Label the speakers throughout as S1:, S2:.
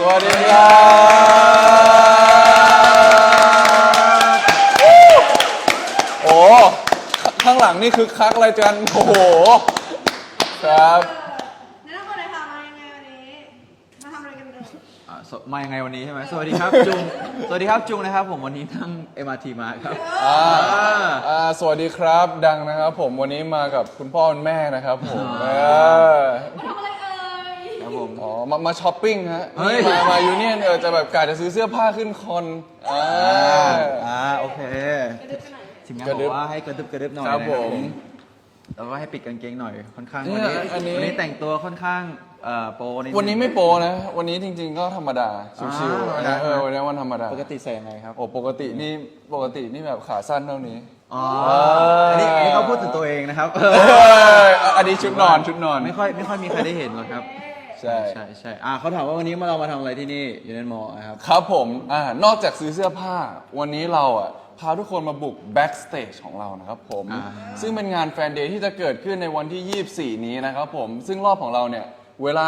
S1: วัสดีครับโอ้ข้างหลังนี่คือคักอะไรกันโอ้โหครับ
S2: แนะนำตัวหน่อยค่ะมายังไงวันนี้มาทำอะไรกันเดิม
S3: มายังไงวันนี้ใช่ไหมสวัสดีครับจุงสวัสดีครับจุงนะครับผมวันนี้นั่ง MRT มาครับ
S1: สวัสดีครับดังนะครับผมวันนี้มากับคุณพ่อคุณแม่นะครับผม
S2: มาทำอะไรเอ่ย
S3: ครับผม
S1: อ๋อมาช้อปปิ้งฮะมายูเนียนจะแบบกะจะซื้อเสื้อผ้าขึ้นคอน
S3: โอเคทีมงานบอกว่าให้กระดึบหน่อย
S1: ครับผม
S3: แล้วก็ให้ปิดกางเกงหน่อยค่อนข้าง
S1: วันนี้
S3: แต่งตัวค่อนข้างโปร
S1: วันนี้ไม่โปรนะวันนี้จริงๆก็ธรรมดาชิวๆนะวันนี้วันธรรมดา
S3: ปกติใส่ยังไงครับ
S1: โอ้ปกตินี่แบบขาสั้นเท่านี้
S3: อันนี้เขาพูดถึงตัวเองนะครับ
S1: อันนี้ชุดนอน
S3: ไม่ค่อยมีใครได้เห็นหรอกครับใช่เขาถามว่าวันนี้เรามาทำอะไรที่นี่ยูเนนมอลล์ครับ
S1: ครับผมนอกจากซื้อเสื้อผ้าวันนี้เราพาทุกคนมาบุก Backstage ของเรานะครับผมซึ่งเป็นงานแฟนเดย์ที่จะเกิดขึ้นในวันที่24นี้นะครับผมซึ่งรอบของเราเนี่ยเวลา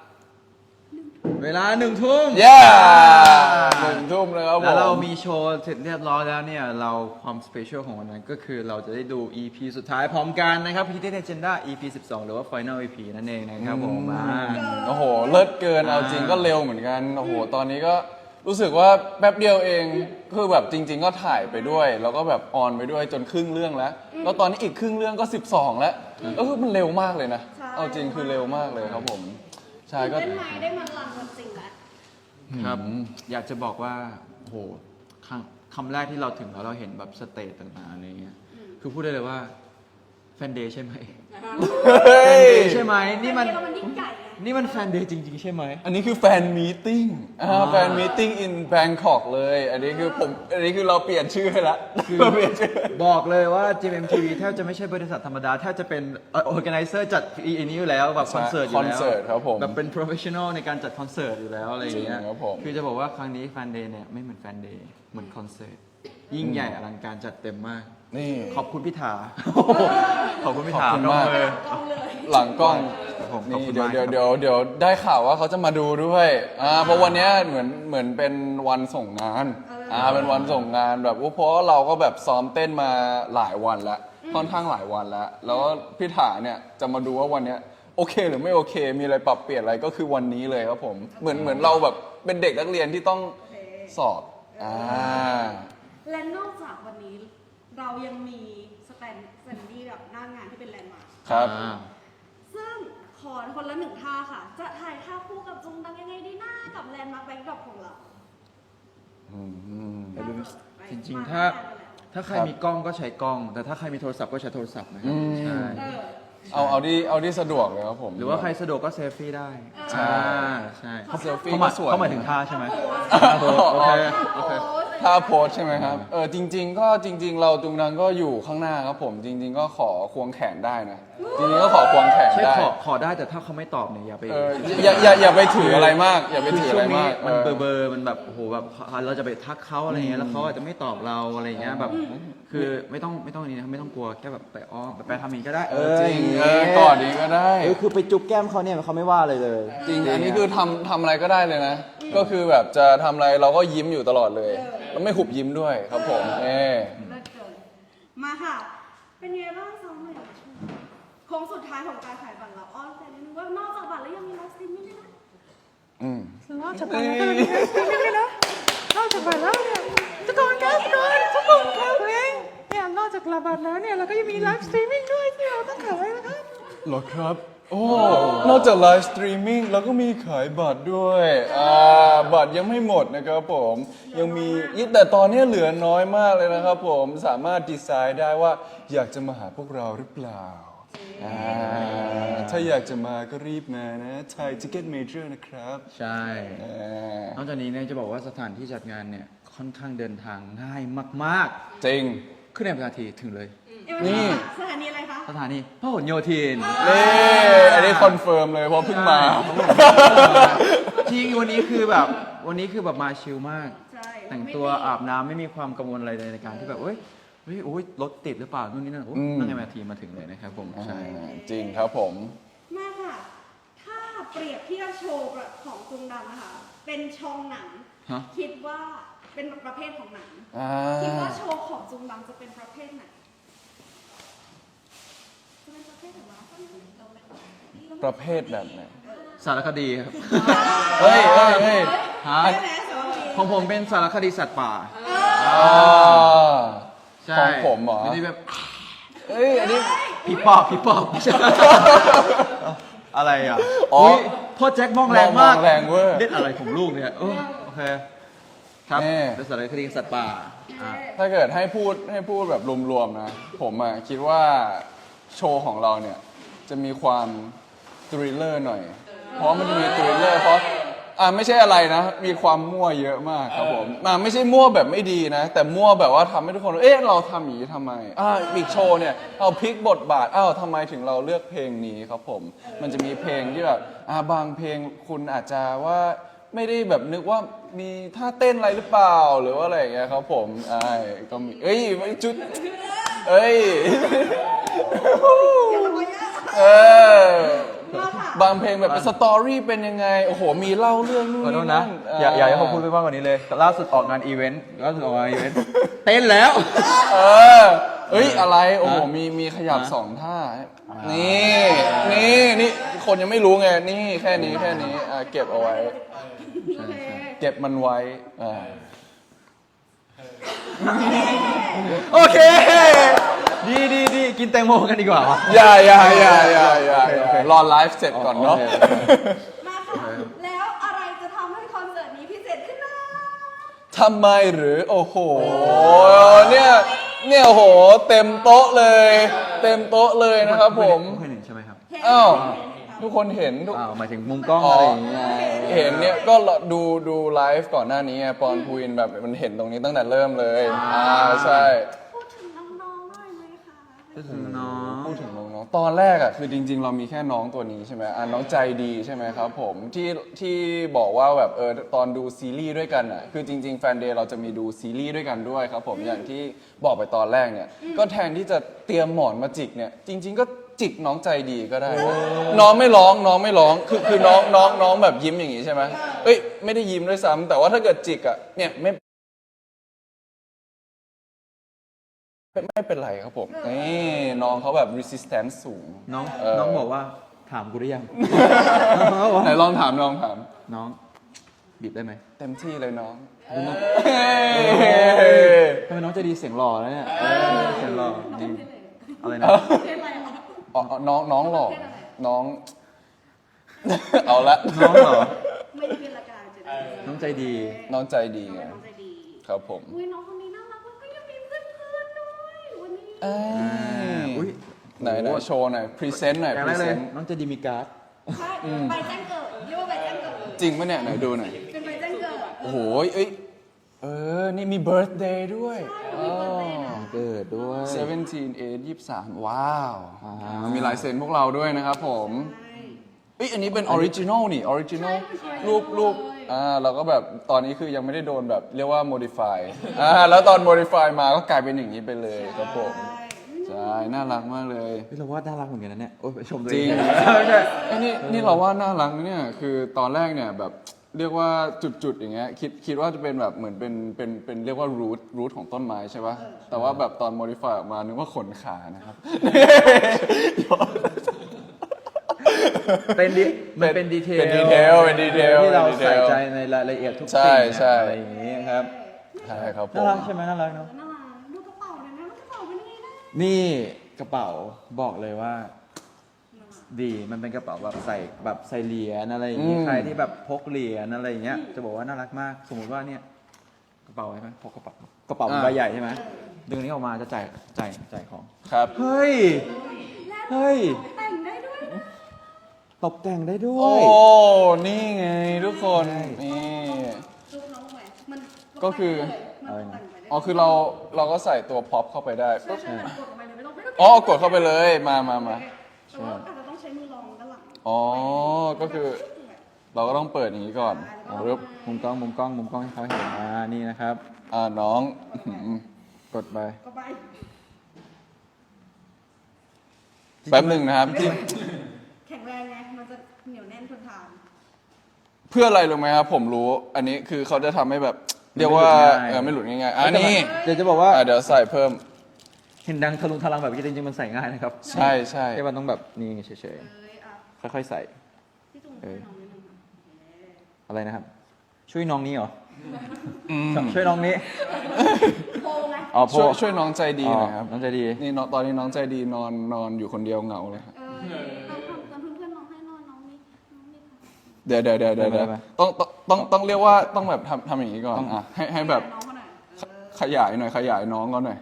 S3: 1 ทุ่ม
S1: 1 ทุ่มนะครับผม
S3: แล้วเรามีโชว์เสร็จเรียบร้อยแล้วเนี่ยเราความสเปเชียลของวันนั้นก็คือเราจะได้ดู EP สุดท้ายพร้อมกันนะครับ Hidden Agenda EP 12 หรือว่า Final EP นั่นเองนะครับผม
S1: โอ้โหเลิศเกินเอาจริงก็เร็วเหมือนกันโอ้โหตอนนี้ก็รู้สึกว่าแป๊บเดียวเองคือแบบจริงๆก็ถ่ายไปด้วยแล้วก็แบบออนไปด้วยจนครึ่งเรื่องแล้วตอนนี้อีกครึ่งเรื่องก็12แล้วก็คือมันเร็วมากเลยนะเอาจริงคือเร็วมากเลยครับผมใช่ก็
S2: ได้มาลังกันจริงแล้ว
S3: ครับอยากจะบอกว่าโหคำแรกที่เราถึงแล้วเราเห็นแบบสเตจต่างๆอะไรเงี้ยคือพูดได้เลยว่าแฟนเดย์ใช่ไหมแฟนเดย์ใช่ไหมนี่มันแฟนเดย์จริงๆใช่ไหม
S1: อันนี้คือแฟนมีตติ้งแฟนมีตติ้ง in Bangkok เลยอันนี้คือเราเปลี่ยนชื่อให้ละ
S3: เราเปลี่ยนชื่อบอกเลยว่า GMMTV แทบจะไม่ใช่บริษัทธรรมดาแทบจะเป็น organizer จัดอีนี้อยู่แล้วแบบคอนเสิร์ตอยู่แล้ว
S1: ครับผม
S3: แบบเป็น professional ในการจัดคอนเสิร์ตอยู่แล้วอะไรอย่างเงี้ยคือจะบอกว่าครั้งนี้แฟนเดย์เนี่ยไม่เหมือนแฟนเดย์เหมือนคอนเสิร์ตยิ่งใหญ่อลังการจัดเต็มมาก
S1: นี่
S3: ขอบคุณพิธาขอบคุณพิธา
S1: มากหลังกล้องนี่เดี๋ยวได้ข่าวว่าเขาจะมาดูด้วยเพราะวันนี้เหมือนเป็นวันส่งงานเป็นวันส่งงานแบบเพราะเราก็แบบซ้อมเต้นมาหลายวันแล้วค่อนข้างหลายวันแล้วพิธาเนี่ยจะมาดูว่าวันนี้โอเคหรือไม่โอเคมีอะไรปรับเปลี่ยนอะไรก็คือวันนี้เลยครับผมเหมือนเราแบบเป็นเด็กนักเรียนที่ต้องสอบ
S2: และนอกจากวันนี้เรายังมีสแตนดี้แบบหน้างานที่เป็นแลนด์มาร์ค
S1: ครับ
S2: ซึ่งขอคนละ1 ท่าค่ะจะถ่ายท่าคู่กับจุงดังยังไงดีหน้ากับแลนด์มาร์คแบ็คดรอปของเรา
S3: จริงๆถ้าใครมีกล้องก็ใช้กล้องแต่ถ้าใครมีโทรศัพท์ก็ใช้โทรศัพท์นะครับใช่
S1: เอาที่สะดวกเลยครับผม
S3: หรือว่าใครสะดวกก็เซลฟี่ได้
S1: ใช่
S3: เขาเซลฟี่เขาหมายถึงท่าใช่ไหมโอเค
S1: ท่าโพสใช่ไหมครับจริงๆเราจุงดังก็อยู่ข้างหน้าครับผมจริงๆก็ขอควงแขนได้นะจริงๆก็ขอควงแขนได้
S3: ขอได้แต่ถ้าเขาไม่ตอบเนี่ยอย่าไป
S1: อย่าไปถืออะไรมากอย่าไปถืออะไรมาก
S3: มันเบอร์มันแบบโอ้โหแบบเราจะไปทักเขาอะไรเงี้ยแล้วเขาอาจจะไม่ตอบเราอะไรเงี้ยแบบคือไม่ต้องนี้นะไม่ต้องกลัวแค่แบบไปไปทำอย่างนี้ก็ได้
S1: จริงก่อนนี้ก็ได้
S3: คือไปจุ๊บแก้มเขาเนี่ยเขาไม่ว่าเลย
S1: จริงอันนี้คือทำอะไรก็ได้เลยนะก็คือแบบจะทำอะไรเราก็ยิ้มอยู่ตลอดเลยแล้วไม่หุบยิ้มด้วยครับผม
S2: มาค่ะเป็นไงบ้างซ้อมใหม่โค้งสุดท้ายของการขายบัตรเราอ้อนแต่นิดนึงว่านอกจากบัตรแล้วยังมีไลฟ์สตรีมมิ่งด้วยนะ
S4: นอกจากบัตรแล้วยังมีไลฟ์สตรีมมิ่งด้วยนะนอกจากบัตรแล้วเนี่ยทุกคนครับเองเนี่ยนอกจากบัตรแล้วเนี่ยเราก็ยังมีไลฟ์สตรีมมิ่งด้วยที่เราต้องขายนะครับ
S1: หรอครับนอกจากไลฟ์สตรีมมิ่งเราก็มีขายบัตรด้วยบัตรยังไม่หมดนะครับผมยังมีแต่ตอนนี้เหลือน้อยมากเลยนะครับผมสามารถดีไซน์ได้ว่าอยากจะมาหาพวกเราหรือเปล่าถ้าอยากจะมาก็รีบมานะไทยทิกเก็ตเมเจอร์นะครับ
S3: ใช่นอกจากนี้เนี่ยจะบอกว่าสถานที่จัดงานเนี่ยค่อนข้างเดินทางง่ายมาก
S1: ๆจริง
S3: ขึ้นในนาทีถึงเลย
S1: นี่
S2: สถานีอะไรคะ
S3: สถานีพหลโยธิน
S1: อันนี้คอนเฟิร์มเลยเพราะเพิ่งมา
S3: จริงวันนี้คือแบบมาชิลมากแต่งตัวอาบน้ำไม่มีความกังวลอะไรเลยในการที่แบบโอ้ยรถติดหรือเปล่านู่นนี่นั่นนั่งในนาทีมาถึงเลยนะครับผมใช่
S1: จริงครับผม
S2: มาค่ะถ้าพเปรียบเทียบโชว์ของจุงดังนะคะเป็นช่องหนัง
S3: ฮะ
S2: คิดว่าเป็นประเภทของหนัง
S1: อ่า
S2: คิดว่าโชว์ของจุงดังจะเป็นประเภทไหนจะเป็นประเภทไหนวะ
S1: ประเภทแบบไหน
S3: สารคดีครับ
S1: เฮ้ยเฮ้ยเฮ้ย
S3: ฮะ
S2: ใช่ไหมสวัสดี
S3: ของผมเป็นสารคดีสัตว์ป่า
S1: อ่า
S3: ใช่
S1: ของผมเหรอ
S3: ไม่ได้แบบ
S1: เอ้ยอันนี้
S3: ผีปอบผีปอบไม่ใช่อะไรอ่ะ
S1: อ๋อ
S3: ยพ่อแจ็คมองแรงมาก
S1: มองแรงเวอร์
S3: เล่นอะไรของลูกเนี่ยโอเคครับ
S1: แน่
S3: เป็นสารคดีสัตว์ป่าอ่ะ
S1: ถ้าเกิดให้พูดแบบรวมๆนะ ผมอ่ะคิดว่าโชว์ของเราเนี่ย จะมีความทริลเลอร์หน่อย เพราะมันจะมีทริลเลอร์เพราะไม่ใช่อะไรนะ มีความมั่วเยอะมากครับผมไม่ใช่มั่วแบบไม่ดีนะ แต่มั่วแบบว่าทำให้ทุกคน เราทำอย่างนี้ทำไมอีกโชว์เนี่ยเอาพลิกบทบาททำไมถึงเราเลือกเพลงนี้ครับผม มันจะมีเพลงที่แบบบางเพลงคุณอาจจะว่าไม่ได้แบบนึกว่ามีท่าเต้นอะไรหรือเปล่าหรือว่าอะไรอย่างเงี้ยครับผมก็มีไม่จุดบางเพลงแบบเป็นสตอรี่เป็นยังไงโอ้โหมีเล่าเรื่องนู่น
S3: ขอโท
S1: นี่
S3: ษ
S1: นั่
S3: นะ
S1: น
S3: อยากให้เขาพูดไปมากกว่านี้เลยล่าสุดออกงานอีเวนต์เต้นแล้ว
S1: อะไรโอ้โหมีขยับสองท่านี่คนยังไม่รู้ไงนี่แค่นี้เก็บเอาไว้
S2: โอเค
S1: เก็บมันไว้
S3: โอเค ดีกินแตงโมกันดีกว่าวะ
S1: อย่ารอไลฟ์เสร็จก่อนเนาะ
S3: โอเค
S2: มาค่ะแล้วอะไรจะทำให้คอนเสิร์ตนี้พิเศษขึ้นนะ
S1: ทำไมหรือโอ้โหเนี่ยโอ้โหเต็มโต๊ะเลยนะครับผม
S3: ไม่เคยเห็นใช่ไหมครับ
S1: อ้าวทุกคนเห็นทุก
S3: หมายถึงมุมกล้องอะไรอย่างเงี้ย
S1: เห็นเนี่ยก็ดูไลฟ์ก่อนหน้านี้ไงปอนพูอินแบบมันเห็นตรงนี้ตั้งแต่เริ่มเลยใช่
S2: พูดถึงน้องๆหน่อยไหมคะ
S3: พูดถึงน้อง
S1: พูดถึงน้องๆตอนแรกคือจริง ๆ เรามีแค่น้องตัวนี้ใช่ไหมน้องใจดีใช่ไหมครับผมที่บอกว่าแบบตอนดูซีรีส์ด้วยกันคือจริงๆแฟนเดย์เราจะมีดูซีรีส์ด้วยกันด้วยครับผมอย่างที่บอกไปตอนแรกเนี่ยก็แทนที่จะเตรียมหมอนมาจิกเนี่ยจริง ๆ ก็จิกน้องใจดีก็ได้น้องไม่ร้องคือน้องแบบยิ้มอย่างงี้ใช่ไหมไม่ได้ยิ้มด้วยซ้ำแต่ว่าถ้าเกิดจิกเนี่ยไม่เป็นไรครับผมนี่น้องเขาแบบ resistance สูง
S3: น้องบอกว่าถามกูได้ยัง
S1: ไหนลองถาม
S3: น้องบีบได้ไหม
S1: เต็มที่เลยน้อง
S3: ทำไมน้องจะดีเสียงหล่อแล้วเนี่ยเสียงหล่อดีอะไรนะ
S2: เพลงอะไรอ่ะ
S1: น้องหล่อน้อง เอาละ
S3: น้องเหรอ
S2: ไม่ได้เป็นละกันจะได้
S3: น้องใจดี
S1: น้องใจดีไง
S2: น้องใจดี
S1: ครับผม
S2: อุ้ยน้องคนนี้น่ารักแล้วก็ยังมีเพื่อนๆด้วยวันนี้
S3: อุ๊ย
S1: ไหนโชว์หน่อยพรีเซนต์หน่อย
S3: อย่าง
S1: พ
S3: แร
S1: รี
S3: ก
S1: เซ
S3: เลย
S1: นต์
S3: น้องจะดีมีการ์ด
S2: ใช่ใบแจ้งเกิดเรียกว่าใบแจ้งเกิด
S1: จริงปะเนี่ยไหนดูหน่อย
S2: เป็นใบแจ้งเกิด
S1: โอ้โหนี่มี birthday ด้วย
S3: เกิดด้วย
S1: 17/8/23ว้าวมีลายเซ็นพวกเราด้วยนะครับผมอันนี้เป็นออริจินอลนี่ออริจินอลรูปเราก็แบบตอนนี้คือยังไม่ได้โดนแบบเรียกว่า modify แล้วตอน modify มาก็กลายเป็นอย่างนี้ไปเลยครับผมใช่น่ารักมากเลย
S3: เราว่าน่ารักเหมือนกันนะเนี่ยโอ้ยไปชมตัว
S1: จริ
S3: เอง ง
S1: นี่เราว่าน่ารักนะเนี่ยคือตอนแรกเนี่ยแบบเรียกว่าจุดๆอย่างเงี้ยคิดว่าจะเป็นแบบเหมือนเป็นเรียกว่ารูทของต้นไม้ใช่ปะแต่ว่าแบบตอน modify ออกมานึกว่าขนขานะครับ
S3: มันเป็นดีเทล
S1: เป็นดีเทล
S3: ที่เรา
S1: เป็นดีเทล
S3: ใส่ใจในรายละเอียดทุก
S1: ใช่
S3: สิ่ง
S1: ใช่
S3: อะไรอย่างนี้ครับ
S1: ใช่ครับผ
S3: น่าม รักใช่ไหมน่ารักเนาะ
S2: น่ารักดูกระเป๋าเลยนะกระเป๋าเป็นยังไงนะ
S3: นี่กระเป๋าบอกเลยว่า ดีมันเป็นกระเป๋าแบบใส่เหรียญอะไรอย่างนี้ใครที่แบบพกเหรียญอะไรอย่างเงี้ยจะบอกว่าน่ารักมาก สมมติว่าเนี่ยกระเป๋าใช่ไหมพกกระเป๋าเป็นใบใหญ่ใช่ไหมดึงนี้ออกมาจะจ่ายของ
S1: ครับ
S3: เฮ้ย
S2: แต่งได้ด้วยนะ
S3: ตกแต่งได้ด้ว
S1: โอ้
S3: ย
S1: นี่ไงทุกคน นี่
S2: ดูน้องไหมมัน
S1: ก็คือ
S2: มันแต่งไปได้
S1: อ๋อคือเราก็ใส่ตัวพ็อปเข้าไปได้
S2: ใช่ใช่กดออกมาเลยไม่ต้อง
S1: กดเข้าไปเลยมา
S2: แต่ว่าอาจจะต้องใช้มือรองด้านหลัง
S1: ก็คือเราก็ต้องเปิดอย่างนี้ก่อนปึ๊บ
S3: มุมกล้องให้เขาเห็นนี่นะครับ
S1: น้อง
S3: กดไป
S2: ก็ไป
S1: แป๊บหนึ่งนะครับที่
S2: แข็งแรงไงมันจะเหนียวแน่นทนทาน
S1: พื่ออะไรรู้ไหมครับผมรู้อันนี้คือเขาจะทำให้แบบเรียกว่าไม่หลุดง่ายๆอันนี้
S3: เดี๋ยวจะบอกว่า
S1: เดี๋ยวใส่เพิ่ม
S3: เห็นดังทะลุทะลังแบบนี้จริงๆมันใส่ง่ายนะครับ
S1: ใช่ใช่
S3: แค่มันต้องแบบนี่เฉย
S2: เอ้ยอ่ะ
S3: ๆค่อยๆใส่
S2: พี่จุงช่วยน้องนิดนึงค่ะ
S3: อะไรนะครับ ช่วยน้องนี้เหรอ
S1: อืม
S3: ช่วยน้องนี้
S2: โพงไง
S3: อ๋อโพ
S1: ช่วยน้องใจดีหน่อยครับ
S3: น้องใจดี
S1: นี่น้องตอนนี้น้องใจดีนอนอยู่คนเดียวเหงาเลยครับ
S2: เราทำกันเพื่อนๆน้องให้นอนน้องนี่ค่ะ
S1: เดี๋ยวต้องเรียกว่าต้องแบบทำอย่างนี้ก่อนอ่ะให้แบบ
S2: น้องเขาหน่อยเออ
S1: ขยายหน่อยขยายน้องเขาหน่อย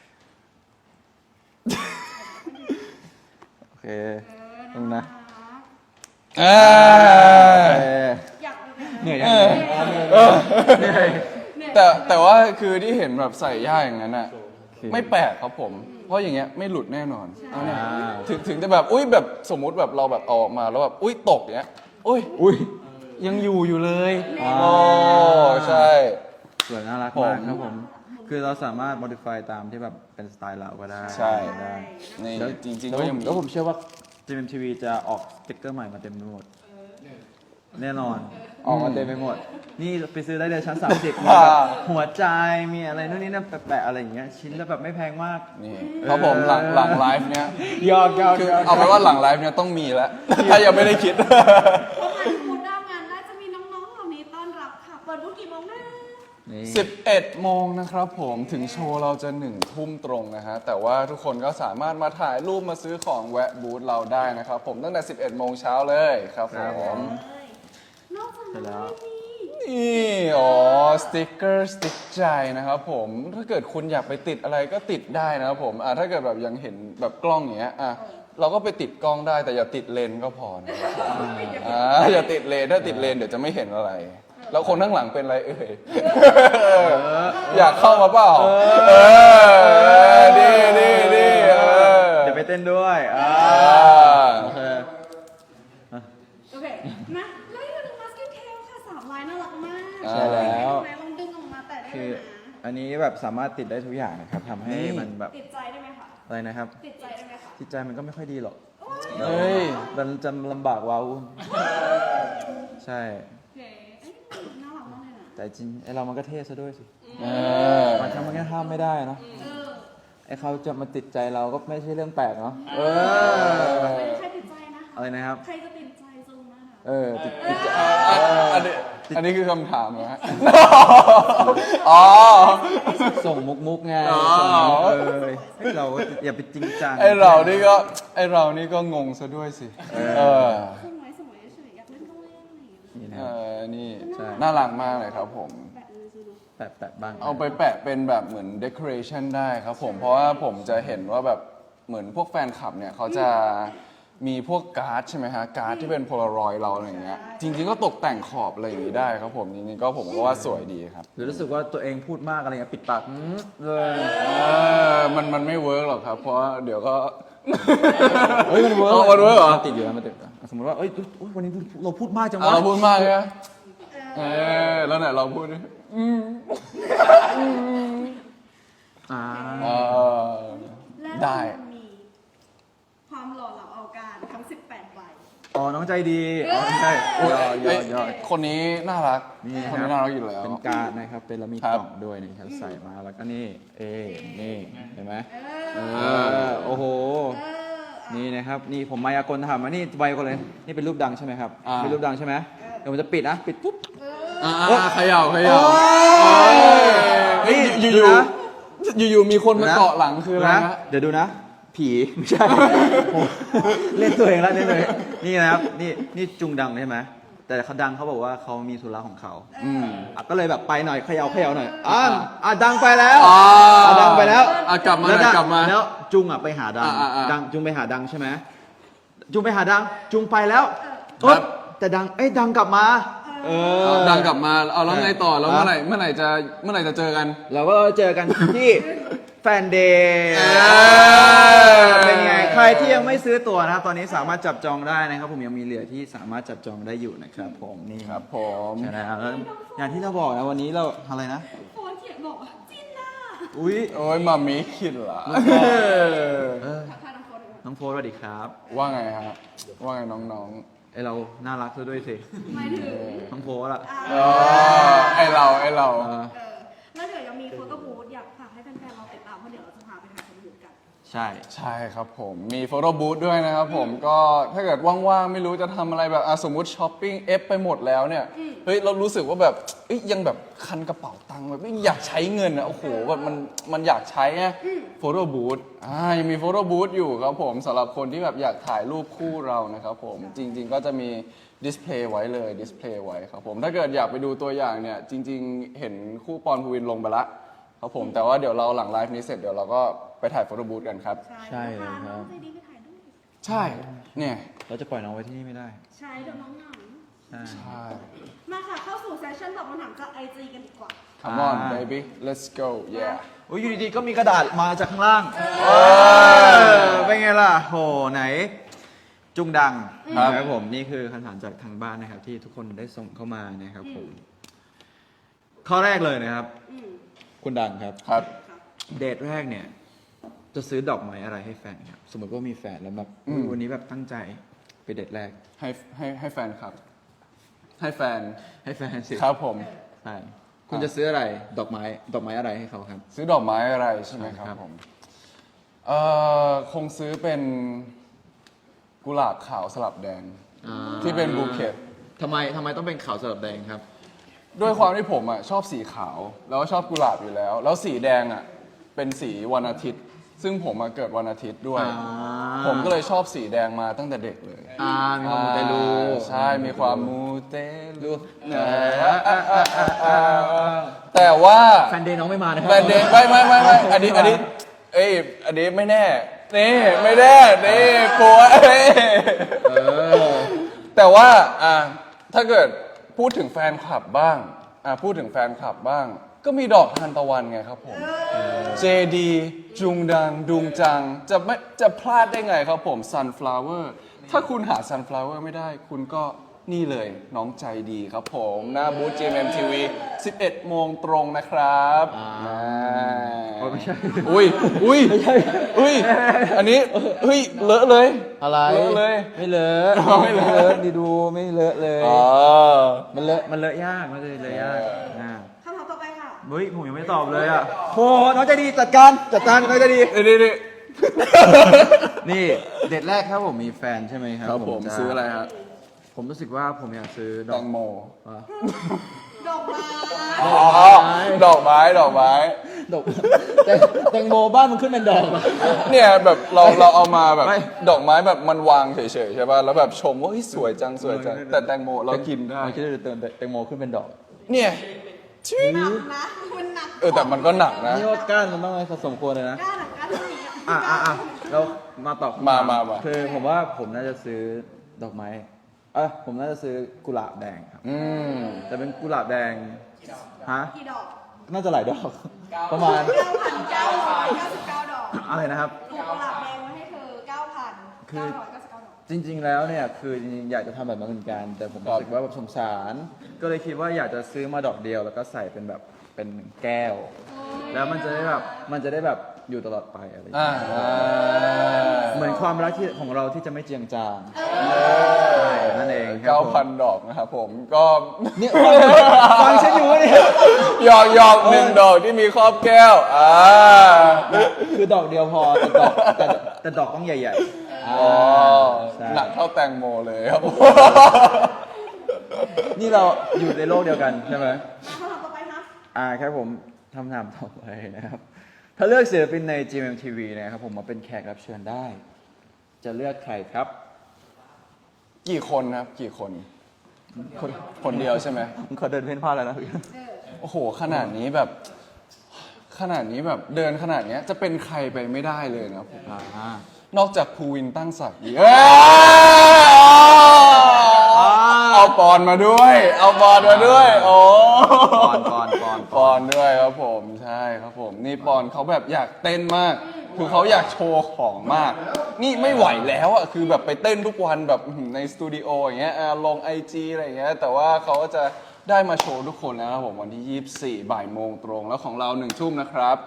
S3: โอเคตรงนะ
S1: เออ
S2: อยาก
S3: เหนื่อย
S1: เอ
S3: ยัง
S1: อ
S3: เหนื่อย
S1: แต่ว่าคือที่เห็นแบบใส่ย่าอย่างนั้นอ่ะไม่แปลกครับผม เพราะอย่างเงี้ยไม่หลุดแน่นอนเอาเนี่ยถึงจะแบบอุ้ยแบบสมมุติแบบเราแบบเอาออกมาแล้วแบบอุ้ยตกเงี้ยอุ้ย
S3: อุ้ยยังอยู่เลย
S1: โอ้ใช่
S3: สวยน่ารักมากครับผม คือเราสามารถ modify ตามที่แบบเป็นสไตล์เราก็ได้
S1: ใช่
S3: ได้
S1: นี่
S3: แล้ว
S1: จริงๆก็ยังมี
S3: แล้วผมเชื่อว่า GMMTV จะออกสติ๊กเกอร์ใหม่มาเต็มไปหมด แน่นอน ออกมาเต็มไปหมด นี่ไปซื้อได้เลยชั้น 30มีแบบหัวใจ มีอะไรนู่นนี่นั่นแปะๆอะไรอย่างเงี้ย ชิ้นละแบบไม่แพงมาก
S1: นี่ครับผมหลังไลฟ์เนี้ย
S3: ยอด
S1: คือเอาไปนว่าหลังไลฟ์เนี้ยต้องมีแล้ว ถ้ายังไม่ได้คิด
S2: เข้ามาที่บูธหน้างานน่าจะมีน้องๆเหล่านี้ต้อนรับค่ะ เปิดบูธกี่โมงนะ
S3: นี่
S1: 11 โมงนะครับผมถึงโชว์เราจะ1 ทุ่มตรงนะฮะแต่ว่าทุกคนก็สามารถมาถ่ายรูปมาซื้อของแวะบูธเราได้นะครับผมตั้งแต่ 11 โมงเช้าเลยครับผม
S2: นอกจาก
S3: เสร็จแล้
S2: นั้
S3: ว
S2: นมี
S1: นี่อ๋อสติกเกอร์สติ๊กใจนะครับผมถ้าเกิดคุณอยากไปติดอะไรก็ติดได้นะครับผมถ้าเกิดแบบยังเห็นแบบกล้องอย่างเงี้ยเราก็ไปติดกล้องได้แต่อย่าติดเลนส์ก็พอนะครับผมอย่าติดเลนถ้าติดเลนเดี๋ยวจะไม่เห็นอะไร แล้วคนข้างหลังเป็นอะไรเอ่ยอยากเข้ามาเปล่าดีเ
S3: เดี๋ยวไปเต้นด้วยโอเค
S2: โอเคนะแล้วอีกหนึ่งมาสกินเทลค่ะ3 ลายน่ารักมาก
S3: ใช่แล้ว
S2: ไหนลองดึงออกมาแต่ได้
S3: คือ
S2: ไหมนะ
S3: อันนี้แบบสามารถติดได้ทุกอย่างนะครับทำให้มันแบบ
S2: ติดใจได้ไหมคะ
S3: อะไรนะครับ
S2: ติดใจได้ไหมคะ
S3: จิตใจมันก็ไม่ค่อยดีหรอก
S1: เฮ้ย
S3: มันจะลำบากว้าวุ่นใช่
S2: โอเคเอ้ยน่ารักมากเลยนะ
S3: แต่จริงไอเรามันก็เท่ซะด้วยสิ
S1: เออ
S3: มันทำมันแค่ห้ามไม่ได้เนอะ
S2: เออ
S3: ไอเขาจะมาติดใจเราก็ไม่ใช่เรื่องแปลกเนาะ
S2: ใครติดใจนะคะ
S3: อะไรนะครับ
S2: ใครจะติดใจซูมนะคะ
S3: ติดใจ
S1: อันนี้คือคำถามเหรอฮะอ๋อ
S3: ส่งมุกไง
S1: อ๋อ
S3: ส่งมุกให้เราอย่าไปจริงจัง
S1: ไอเรานี่ก็งงซะด้วยสิเออ
S2: สวยเฉยๆอยากเล่นก็เล่นอะไรอย่างเงี้ย
S3: นี่นะ
S1: เอ
S3: ครับ
S1: อนี่
S3: ใช่
S1: น่ารักมากเลยครับผม
S2: แบบนี้ซูดู
S3: แปะบ้าง
S1: เอาไปแปะเป็นแบบเหมือน decoration ได้ครับผม เพราะว่าผมจะเห็นว่าแบบเหมือนพวกแฟนคลับเนี่ยเขาจะมีพวกการ์ดใช่ไหมฮะ การ์ดที่เป็นโพลารอยด์เราอะไรอย่างเงี้ย จริงๆก็ตกแต่งขอบอะไรอย่างงี้ได้ครับผม จริงๆก็ผมก็ว่าสวยดีครับ
S3: หรือรู้สึกว่าตัวเองพูดมากอะไรเงี้ยปิดปากเลย
S1: มันไม่เวิร์กหรอกครับ เพราะว่าเดี๋ยวก็
S3: เฮ้ยมันเวิร์ก
S1: มันเวิร์กเหรอ
S3: ติดอยู่แล้วมันติดอยู่สมมติว่าเอ้ยวันนี้เราพูดมากจังวะ
S1: เราพูดมากเลยนะแล้วไหนเราพูดดิ
S3: อ่า
S2: และ
S1: ได้
S2: มันมีความหล่อเหลาเอาการทั้ง 18 ใบ
S3: อ๋อน้องใจดีอ๋อใช่ยอด
S1: คนนี้น่ารัก
S3: นี่
S1: คน
S3: ครั
S1: นี้
S3: บ
S1: น่ารักอยู่แล้ว
S3: เป็นการ์ดนะครับเป็นแล้วมี
S1: ครับ
S3: กล่องด้วยนี่ครับใส่มาแล้วก็นี่นี่เห็นไหมโอ้โห นี่นะครับนี่ผมมายากลทำมานี่ไวกว่าเลยนี่เป็นรูปดังใช่ไหมครับเป็นรูปดังใช่ไหมเดี๋ยวผมจะปิดนะปิดปุ๊บ
S1: เขย่าเฮ้ยอยู่มีคนมาเกาะหลังคืออะไร
S3: นะ
S1: ฮะ
S3: เดี๋ยวดูนะ ผีไม่ใช่ เล่นตัวเองแล้วเล่นตัวเองนี่นะครับนี่จุงดังใช่ไหมแต่เขาดังเขาบอกว่าเขามีธุระของเขาก็เลยแบบไปหน่อยเขย่าหน่อยดังไปแล้วดังไปแล้ว
S1: กลับมา
S3: แล้วจุงไปหาดัง ดังจุงไปหาดังใช่ไหมจุงไปหาดังจุงไปแล้วแต่ดังกลับมา
S1: ดังกลับมาเอาแล้วไงต่อแล้วเมื่อไหร่จะเจอกัน
S3: เราก็เจอกันที่แฟนเดย์เป็นไงใครที่ยังไม่ซื้อตั๋วนะครับตอนนี้สามารถจับจองได้นะครับผมยังมีเหลือที่สามารถจับจองได้อยู่นะครับผมนี่
S1: ครับผม
S3: ใช่แล้วแล้วอย่างที่เราบอกนะวันนี้เราอะไรนะ
S2: โฟนเขียนบอกว่าจินน่า
S3: อุ้ย
S1: โอ้ยมามีคิดเหรอ
S2: ทักทายน้องโฟนเลย
S3: น้องโฟร์สวัสดีครับ
S1: ว่าไงฮะว่าไงน้อง
S3: อเราน่ารักซะด้วยสิ
S2: หมายถึง
S3: ทั้งโพสอะ
S1: ไอเรา
S3: เออ
S2: แล้วเดี๋ยวยังมีโฟโต้บูธอยากฝากให้แฟนๆเราติดตามเพราะเดี๋ยวเราจะพาไปถ่ายโฟโต้บูธกัน
S3: ใช่
S1: ใช่ครับผมมีโฟโต้บูธด้วยนะครับผมก็ถ้าเกิดว่างๆ ไม่รู้จะทำอะไรแบบสมมุติช้อปปิ้งเอฟไปหมดแล้วเนี่ยเฮ้ยเรารู้สึกว่าแบบยังแบบคันกระเป๋าตังค์แบบอยากใช้เงินอ่ะโอ้โหแบบมันอยากใช้ไงโฟโต้บูธยังมีโฟโต้บูธอยู่ครับผมสำหรับคนที่แบบอยากถ่ายรูปคู่เรานะครับผมจริงๆก็จะมีดิสเพลย์ไว้เลยดิสเพลย์ไว้ครับผมถ้าเกิดอยากไปดูตัวอย่างเนี่ยจริงๆเห็นคู่ปอนภูวินลงไปละครับผมแต่ว่าเดี๋ยวเราหลังไลฟ์นี้เสร็จเดี๋ยวเราก็ไปถ่ายโฟโต้บูธกันครับ
S3: ใช่เลยครับ
S2: พาน้องใจดีไปถ่ายด้วย
S1: ใช่ เนี่ย
S3: เราจะปล่อยน้องไว้ที่นี่ไม่ได้
S2: ใช่เดี๋ยวน้องเหงา
S3: ใช่
S1: ใช่
S2: มาค่ะเข้าสู่เซสชั่นตอบคำถามจากไอจีกันดีกว่า
S1: Come on baby let's go yeah
S3: โอ้ยอยู่ดีๆก็มีกระดาษมาจากข้างล่างเป็นไงล่ะโหไหน จุงดัง
S1: ครับ
S3: นะครับผมนี่คือคำถามจากทางบ้านนะครับ ที่ทุกคนได้ส่งเข้ามานะครับผม ข้อแรกเลยนะครับ
S2: อืม
S3: คุณดังครับ
S1: ครับ
S2: ครับ
S3: เดทแรกเนี่ย จะซื้อดอกไม้อะไรให้แฟนครับ สมมติว่ามีแฟนแล้วแบบ
S1: อืม
S3: วันนี้แบบตั้งใจไปเดทแรก
S1: ให้แฟนครับ ให้แฟน
S3: ให้แฟนสิ
S1: ครับผม
S3: ใช่คุณจะซื้ออะไรดอกไม้อะไรให้เขาครับ
S1: ซื้อดอกไม้อะไรใช่ไหมค
S3: ครั
S1: รับบ ผมคงซื้อเป็นกุหลาบขาวสลับแดง ที่เป็นบูเกต
S3: ทำไมต้องเป็นขาวสลับแดงครับ
S1: ด้วยความที่ผมชอบสีขาว แล้วก็ชอบกุหลาบอยู่แล้ว แล้วสีแดงเป็นสีวันอาทิตย์ ซึ่งผมเกิดวันอาทิตย์ด้วย ผมก็เลยชอบสีแดงมาตั้งแต่เด็กเลย
S3: มีความมูเตลู
S1: ใช่ มีความมูเตลูแต่ว่า
S3: แฟนเดย์น้องไม่มานะครั
S1: แบรนด์เดย์ไม่อันนี้ไม่แน่นี่ไม่แน่นี่กลัวแต่ว่าถ้าเกิดพูดถึงแฟนคลับบ้างพูดถึงแฟนคลับบ้าง ก็มีดอกทานตะวันไงครับผม JD จุงดังดุงจังจะพลาดได้ไงครับผม Sunflower ถ้าคุณหา Sunflower ไม่ได้ คุณก็นี่เลยน้องใจดีครับผมหน้าบูธ GMMTV 11 โมงตรงนะครับ
S3: ไม่ใช่
S1: อุ้ยอันนี้เลอะเลย
S3: อะไร
S1: เลอะเลย
S3: ไม่เลอะ
S1: ไม่เลอะ
S3: ดีดูไม่เลอะเลย
S1: อ๋อ
S3: มันเลอะยากมันเลยยาก
S2: คำถามต่อไปค่ะ
S3: เฮ้ยผมยังไม่ตอบเลยอ่ะโหน้องใจดีจัดการน้องใจดี
S1: นี่
S3: นี่เดทแรกครับผมมีแฟนใช่ไหมครับ
S1: ครับผม
S3: จ
S1: ซื้ออะไรครับ
S3: ผมรู้สึกว่าผมอยากซื้อด
S1: แต
S3: อก
S1: งโม
S2: ดอกไม้
S1: อ๋อดอกไม้
S3: ดอกแตงโมบ้านมันขึ้นเป็นดอกอะ
S1: เนี่ยแบบเราเอามาแบบ
S3: ไม่
S1: ดอกไม้แบบมันวางเฉยๆใช่ป่ะแล้วแบบชมว่าเฮ้ยสวยจังแต่แตงโมเรากินได้
S3: เราคิดว่าจะเติมแตงโมขึ้นเป็นดอก
S1: เนี่ย
S2: หนักนะคุณหนัก
S1: แต่มันก็หนักนะ
S3: นี่ว่าก้านมันต้องอะไรผสมควรเลยนะ
S2: กล้าหนักกล้าหนัก
S3: เรามาตอบ
S1: มา
S3: คือผมว่าผมน่าจะซื้อดอกไม้ผมน่าจะซื้อกุหลาบแดงครับ แต่เป็นกุหลาบแดงฮะ
S2: กี่ดอก
S3: น่าจะหลายดอก ประมาณ
S2: 9,999 ดอก
S3: อะไรนะครับ
S2: ปลูกกุหลาบแดงไว้ให้เธอ 9,999 ดอก
S3: จริง ๆ แล้วเนี่ยคือจริงๆอยากจะทำแบบนั้นเหมือนกัน แต่ผมรู้สึกว่าแบบสงสาร ก็เลยคิดว่าอยากจะซื้อมาดอกเดียวแล้วก็ใส่เป็นแบบเป็นแก้ว แล้วมันจะได้แบบอยู่ตลอดไปอะไรอย่างเงี้ยเหมือนความรักที่ของเราที่จะไม่เจียงจางใช่นั่นเองครับผม
S1: 9,000 ดอกนะครับผมก็
S3: เนี่ยฟังฉันอยู่เนี่ย
S1: หยอกหนึ่งดอกที่มีครอบแก้ว
S3: คือดอกเดียวพอแต่ดอกต้องใหญ่ๆ
S1: อ๋อ
S3: ใช่
S1: หนักเท่าแตงโมเลยครับ
S3: นี่เราอยู่ในโลกเดียวกันใช่ไหม
S2: คำถามต่อไปนะ
S3: ครับผมทำถามต่อไปนะครับ ถ้าเลือกศิลปินใน GMMTV นะครับผมมาเป็นแขกรับเชิญได้ จะเลือกใครครับ
S1: กี่คนครับกี่คน คนเดียวใช่ไหม
S3: ผมขอเดินเพ่นพ่านแล้วนะ
S1: โอ้โหขนาดนี้แบบเดินขนาดเนี้ยจะเป็นใครไปไม่ได้เลยนะผมนอกจากภูวินตั้งศักดิ์อีกเอาปอนมาด้วยโอ้ปอนด้วยครับผมใช่ครับผมนี่ปอนเขาแบบอยากเต้นมาก คือเขาอยากโชว์ของมาก นี่ไม่ไหวแล้วอ่ะคือแบบไปเต้นทุกวันแบบในสตูดิโออย่างเงี้ยลง IG อะไรอย่างเงี้ยแต่ว่าเขาก็จะได้มาโชว์ทุกคนแล้วครับผมวันที่ 24 บ่ายโมงตรงแล้วของเรา 1 ทุ่มนะครับ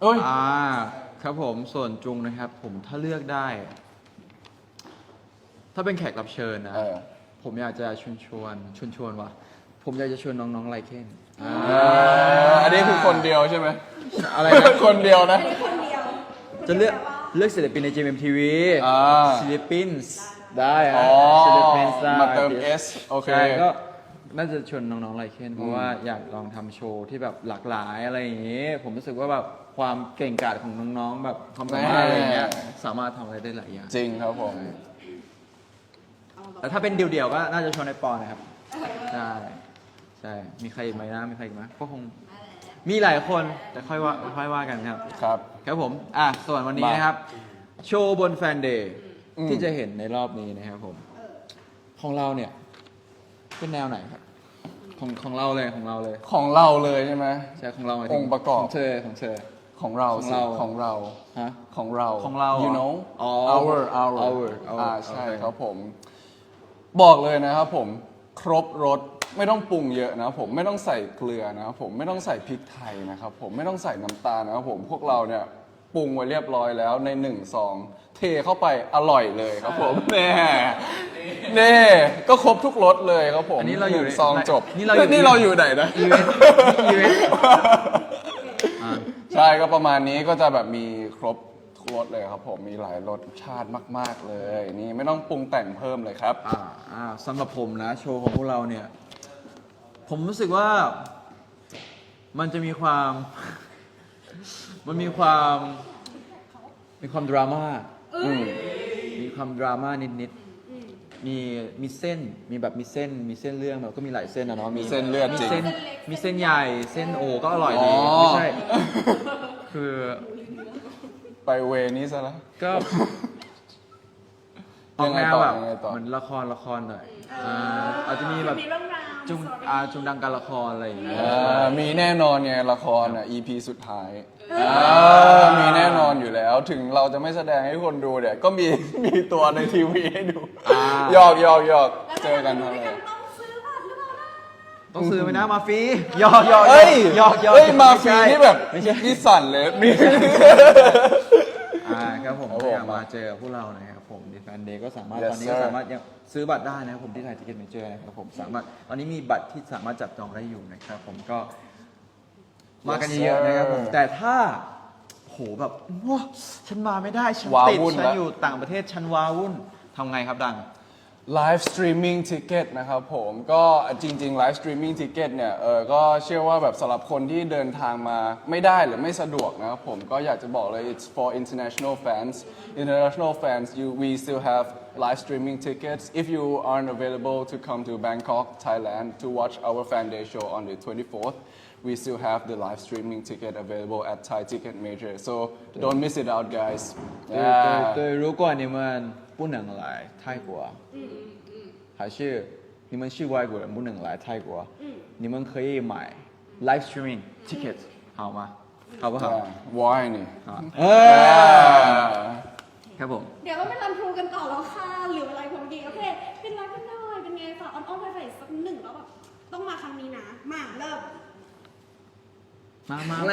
S3: ครับผมส่วนจุงนะครับผมถ้าเลือกได้ถ้าเป็นแขกรับเชิญนะ
S1: เออ
S3: ผมอยากจะชวนว่ะผมอยากจะชวนน้องๆไลเคน
S1: อันนี้คือคนเดียวใช่ไหม
S3: อะไรนะ
S1: คนเดียวนะ
S2: ไม่ได้คนเดียว
S3: จะเลือกศิลปินใน JMTV
S1: อ่า
S3: ศิลปินได้
S1: อ๋
S3: ฮะ
S1: อ
S3: ศิลปินได้
S1: มาเติม S โอเค
S3: ใช่ก็น่าจะชวนน้องๆไลเคนเพราะว่าอยากลองทำโชว์ที่แบบหลากหลายอะไรอย่างงี้ ผมรู้สึกว่าแบบความเก่งกาจของน้องๆแบบความสามารถอะไรอย่างเงี้ยสามารถทำอะไรได้หลายอย่าง
S1: จริงครับผม
S3: แต่ถ้าเป็นเดี่ยวๆก็น่าจะชวนในปอนนะครับใช่ใช่มีใครอีกไหมนะมีใครอีกไหมก็คงมีหลายคนแต่ค่อยว่ากันครับ
S1: ครับ
S3: ครับผมส่วนวันนี้
S1: มา
S3: นะครับ โชว์บนแฟนเดย์
S1: อืม
S3: ที่จะเห็นในรอบนี้นะครับผม ของเราเนี่ย เป็นแนวไหนครับ ของเราเลยของเราเลย
S1: ของเราเลยใช่ไหม
S3: ใช่ของเราหมายถึ
S1: องค์ประกอบ
S3: ของเธอ
S1: ของเรา
S3: ของ
S1: สิ
S3: เรา
S1: ของเรา
S3: ฮะ
S1: ของเรา
S3: ของเรา
S1: you know
S3: อ๋อ
S1: our ใช่
S3: โอเค
S1: ครับผม บอกเลยนะครับผม ครบรสไม่ต้องปรุงเยอะนะครับผมไม่ต้องใส่เกลือนะครับผมไม่ต้องใส่พริกไทยนะครับผมไม่ต้องใส่น้ำตาลนะครับผมพวกเราเนี่ยปรุงไว้เรียบร้อยแล้วใน1 ซอง เทเข้าไปอร่อยเลยครับผมแน่เน่ก็ครบทุกรสเลยครับผม
S3: อันนี้เราอยู่
S1: ห
S3: ใน
S1: งซองจบ
S3: นี่เราอยู่
S1: นี่เราอยู่ไหนนะ
S3: อีเวนต์อีเวนต์
S1: ใช่ก็ประมาณนี้ก็จะแบบมีครบทุกรสเลยครับผมมีหลายรสชาติมาก ๆเลย นี่ไม่ต้องปรุงแต่งเพิ่มเลยครับ
S3: สำหรับผมนะ โชว์ของพวกเราเนี่ย ผมรู้สึกว่ามันจะมีความ มันมีความดราม่า
S1: อืม
S3: มีความดราม่านิดๆมีเส้นมีเส้นเรื่องแบบก็มีหลายเส้นอะเนาะ
S1: เส้นเลือด
S3: มี
S1: จริง
S3: มีเส้นใหญ่เส้นโอก็อร่อยดี
S1: อ๋อ
S3: ไม่ใช่ คือ
S1: ไปเวนี้ซะแล้ว
S3: ก็ออกแนวแบบ
S1: ยังไงต่อ
S3: เหมือนละครหน่อยอาจจะมีแบบ
S2: มีเรื่องราว
S3: จุงดังการละครอะไรอย่างเงี้ย
S1: มีแน่นอนไงละครอ่ะ EP สุดท้ายมีแน่นอนอยู่แล้ว ถึงเราจะไม่แสดงให้คนดูเนี่ยก็มี มีตัวในทีวีให้ดูหยอกเจอกันอะไร
S2: ต้องซื้อบัตรหรือเปล่านะ
S3: ต้องซื้อไหมนะมาฟรีหยอก
S1: เอ้ย
S3: หยอก
S1: เอ้ยมาฟรี
S3: ไใช่
S1: นี่แบบ
S3: ไม่ใช่
S1: นี่สั่นเลยมี
S3: ครับผม
S1: ครับผม
S3: อยากมาเจอพวกเรานะครับผมดิแฟนเดย์ก็สามารถ
S1: Yes,
S3: ตอนนี้ก็
S1: sir
S3: สามารถยังซื้อบัตรได้นะครับผมที่ไทยทิเก็ตเมเจอร์นะครับผมสามารถตอนนี้มีบัตรที่สามารถจับจองได้อยู่นะครับผมก็มากัน
S1: Yes,
S3: เยอะๆนะครับผม
S1: sir
S3: แต่ถ้าโหแบบว้าฉันมาไม่ได้ฉัน
S1: ว้า
S3: ติด
S1: วุ่น
S3: ฉัน
S1: ละ
S3: อยู่ต่างประเทศฉันว้าวุ่นทำไงครับดัง
S1: ไลฟ์สตรีมมิ่งทิเก็ตนะครับผมก็จริงๆไลฟ์สตรีมมิ่งทิเก็ตเนี่ยก็เชื่อว่าแบบสำหรับคนที่เดินทางมาไม่ได้หรือไม่สะดวกนะครับผมก็อยากจะบอกเลย it's for international fans we still have live streaming tickets if you aren't available to come to Bangkok Thailand to watch our fan day show on the 24th we still have the live streaming ticket available at Thai Ticket Major so don't miss it out guys
S3: 对，如果你们不能来泰国，还是你们是外国人不能来泰国，你们可以买 live streaming ticket 好吗？好不好？
S1: why นี่
S3: 好。ครับผม
S2: เดี๋ยวเราไปรันทรูกันต่อแล้วค่ะเหลือเวลาพอดีโอเคเป็นรักกันหน่อยเป็นไงฝากอ้อนๆไปสักหนึ่งแล้วแบบต้องมาครั้งนี้นะมาเริ่ม
S3: มา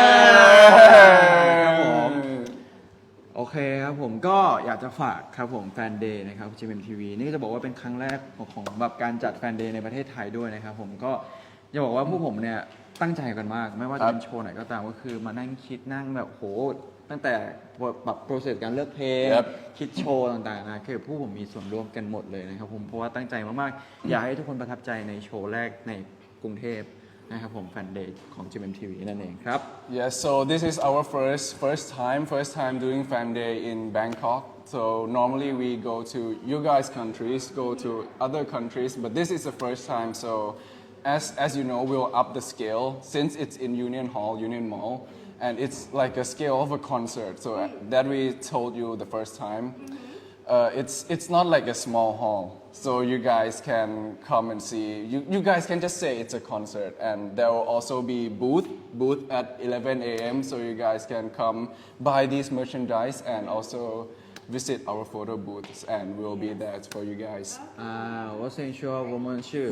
S3: ครับผมโอเคครับผมก็อยากจะฝากครับผมแฟนเดย์นะครับ GMMTV นี่ก็จะบอกว่าเป็นครั้งแรกของแบบการจัดแฟนเดย์ในประเทศไทยด้วยนะครับผมก็จะบอกว่าพวกผมเนี่ยตั้งใจกันมาก ไม่ว่าจะเป็นโชว์ไหนก็ตามก็คือมานั่งคิดนั่งแบบโหตั้งแต่แบบโปรเซสการเลือกเพลง
S1: ครับ
S3: คิดโชว์ต่างๆนะคือผู้ผมมีส่วนร่วมกันหมดเลยนะครับผมเพราะว่าตั้งใจมากๆอยากให้ทุกคนประทับใจในโชว์แรกในกรุงเทพนะครับผมแฟนเดย์ของ GMMTV นั่นเองครับ
S1: Yes, so this is our first time doing fan day in Bangkok. So normally we go to you guys' countries, go to other countries, but this is the first time. So as you know, we'll up the scale since it's in Union Mall, and it's like a scale of a concert. So that we told you the first time. It's not like a small hall, so you guys can come and see. You guys can just say it's a concert, and there will also be booth at 11 a.m. So you guys can come buy these merchandise and also visit our photo booths, and we'll be there for you guys.
S3: 我先说我们是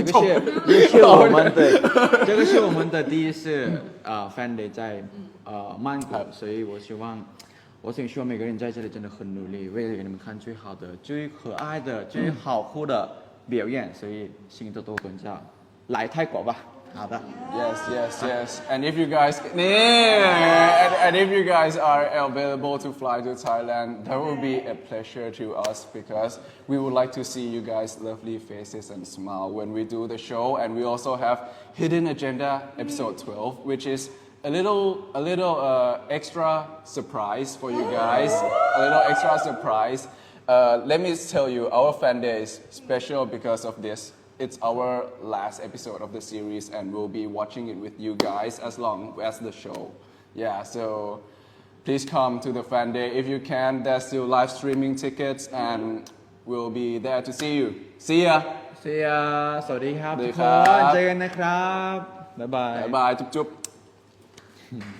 S3: 这个是我们的第一次fan day 在曼谷，所以我希望我挺希望每个人在这里真的很努力，为了给你们看最好的、最可爱的、最好酷的表演，所以新多多跟着来泰国吧。好的。
S1: Yes. And if you guys, and if you guys are available to fly to Thailand, that will be a pleasure to us because we would like to see you guys' lovely faces and smile when we do the show. And we also have Hidden Agenda episode 12, which is a little extra surprise for you guys. A little extra surprise. Let me tell you, our fan day is special because of this. It's our last episode of the series, and we'll be watching it with you guys as long as the show. Yeah, so please come to the fan day if you can. There's still live streaming tickets, and we'll be there to see you. See ya.
S3: See ya สวัสดีครับ
S1: สวัสดี
S3: ทุก
S1: ค
S3: ค
S1: รับ
S3: นเจอกันนะครับ บ๊ายบาย
S1: Bye bye. Chup chup.